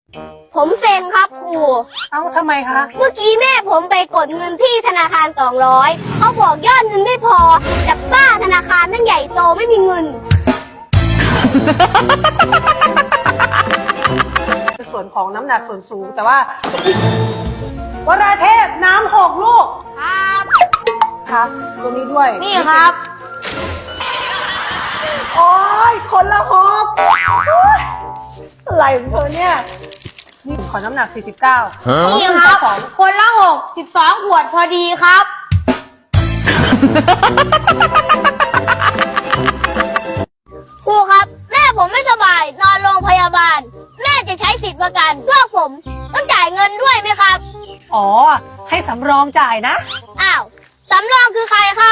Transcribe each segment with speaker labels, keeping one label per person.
Speaker 1: ผมเซ็งครับครู
Speaker 2: เอ้าทำไมคะ
Speaker 1: เมื่อกี้แม่ผมไปกดเงินที่ธนาคาร200เขาบอกยอดเงินไม่พอจับบ้าธนาคารตั้งใหญ่โตไม่มีเงิน
Speaker 2: ส่วนของน้ำหนักส่วนสูงแต่ว่าวราเทพน้ำ6 ลูก
Speaker 1: ครับ
Speaker 2: ครับตัวนี้ด้วย
Speaker 1: นี่ครับ
Speaker 2: โอ้ยคนละ6โอ๊ยอะไรของเธอเนี่ยนี่ขอน้ำหนัก49
Speaker 1: นี่ครับ คนละ12 ขวดพอดีครับ ครูครับแม่ผมไม่สบายนอนโรงพยาบาล แม่จะใช้สิทธิประกันเพื่อผมต้องจ่ายเงินด้วยไหมครับ
Speaker 2: อ๋อให้สำรองจ่ายนะ
Speaker 1: อ้าวสำรองคือใครครับ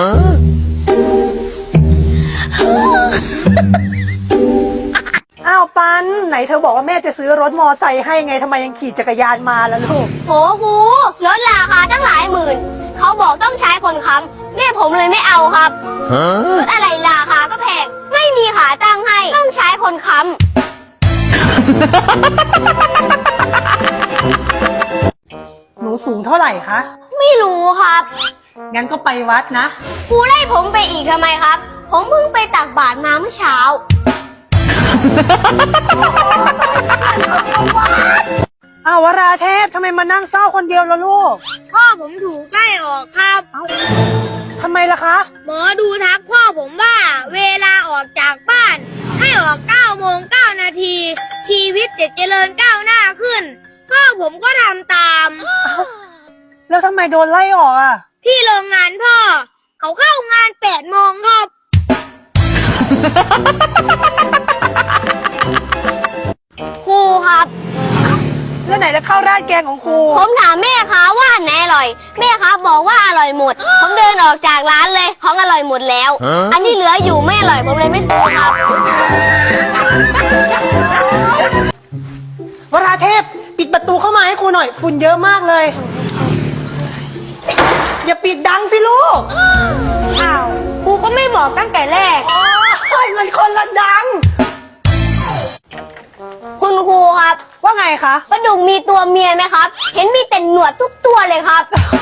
Speaker 2: อ้าวปันไหนเธอบอกว่าแม่จะซื้อรถมอไซค์ให้ไงทำไมยังขี่จักรยานมาล่ะลูก
Speaker 1: โหครูลดราคาตั้งหลายหมื่นเขาบอกต้องใช้คนค้ำแม่ผมเลยไม่เอาครับรถอะไรราคาก็แพงไม่มีขาตั้งให้ต้องใช้คนค้ำ
Speaker 2: หนูสูงเท่าไหร่คะ
Speaker 1: ไม่รู้ครับ
Speaker 2: งั้นก็ไปวัดนะ
Speaker 1: ครูไล่ผมไปอีกทำไมครับ ผมเพิ่งไปตักบาตรมาเมื่อเช้า
Speaker 2: อ้าววราเทพทำไมมานั่งเศร้าคนเดียวล่ะลูก
Speaker 1: พ่อผมถูกใกล้ออกครับ
Speaker 2: เอ้าทำไมล่ะคะ
Speaker 1: หมอดูทักพ่อผมว่าเวลาออกจากบ้าน ให้ออก9 โมง 9 นาที ชีวิตจะเจริญก้าวหน้าขึ้น พ่อผมก็ทำตาม
Speaker 2: แล้วทำไมโดนไล่ออกอ่ะ
Speaker 1: ที่โรงงานพ่อ เขาเข้างาน8 โมงครับ ครูครับ
Speaker 2: แล้วไหนจะเข้าราดแกงของครู
Speaker 1: ผมถามแม่ค้าว่าอันไหนอร่อย แม่ค้าบอกว่าอร่อยหมด ผมเดินออกจากร้านเลยของอร่อยหมดแล้ว อันที่เหลืออยู่ไม่อร่อยผมเลยไม่ซื้อครับ
Speaker 2: วราเทพปิดประตูเข้ามาให้ครูหน่อยฝุ่นเยอะมากเลย อย่าปิดดังสิลูก
Speaker 1: อ้าวครูก็ไม่บอกตั้งแต่แรก
Speaker 2: โอ้ยมันคนละดัง
Speaker 1: คุณครูครับ
Speaker 2: ว่าไงคะ
Speaker 1: ปลาดุกมีตัวเมียไหมครับ เห็นมีแต่หนวดทุกตัวเลยครับ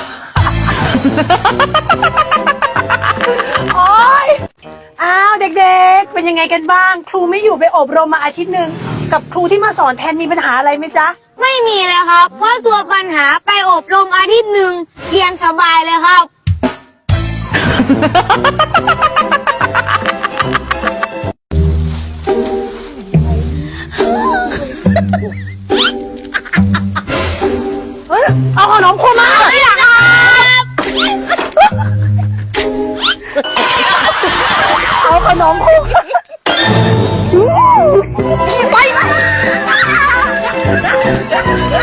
Speaker 2: โอ๊ยอ้าวเด็กๆ เป็นยังไงกันบ้าง ครูไม่อยู่ไปอบรมมาอาทิตย์หนึ่งกับครูที่มาสอนแทนมีปัญหาอะไรไหมจ๊ะ
Speaker 1: ไม่มีเลยครับ เพราะตัวปัญหาไปอบรมอาทิตย์หนึ่งเรียนสบายเลยครับ
Speaker 2: เฮ้ยเอาขนมครูมา
Speaker 1: ไม่หรอกครับ
Speaker 2: เอาขนมครูไป